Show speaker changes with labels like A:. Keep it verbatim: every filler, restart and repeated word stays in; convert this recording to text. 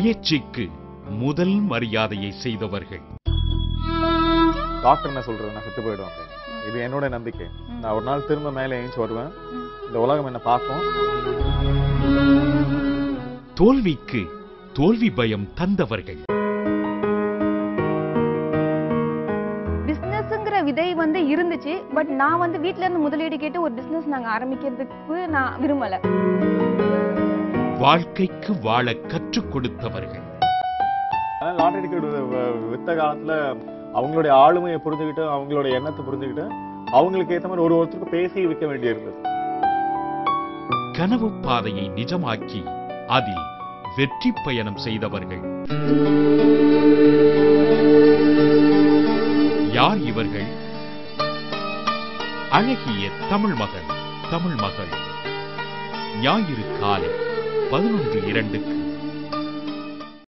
A: முயற்சிக்கு முதல் மரியாதையை செய்தவர்கள்.
B: டாக்டர் என்ன சொல்றது, நான் செத்து போயிடுவாங்க. இது என்னோட நம்பிக்கை. நான் ஒரு நாள் திரும்ப மேலே ஏஞ்சி வருவேன். இந்த உலகம் என்ன பார்க்கும்.
A: தோல்விக்கு தோல்வி பயம் தந்தவர்கள்.
C: பிசினஸ்ங்கிற விதை வந்து இருந்துச்சு. பட் நான் வந்து வீட்ல இருந்து முதலீடு கேட்டு ஒரு பிசினஸ் நாங்க ஆரம்பிக்கிறதுக்கு நான் விரும்பல.
A: வாழ்க்கைக்கு வாழ கற்றுக் கொடுத்தவர்கள்.
B: லாட்டரி டிக்கெட் வித்த காலத்துல அவங்களுடைய ஆளுமையை புரிஞ்சுக்கிட்டு, அவங்களுடைய எண்ணத்தை புரிஞ்சுக்கிட்டு, அவங்களுக்கு ஏற்ற மாதிரி ஒரு ஒருத்தருக்கு பேசி விற்க வேண்டியிருந்தது.
A: கனவு பாதையை நிஜமாக்கி அதில் வெற்றி பயணம் செய்தவர்கள். யார் இவர்கள்? அழகிய தமிழ் மகன், தமிழ் மகள். ஞாயிறு காலை பதினொன்று இரண்டுக்கு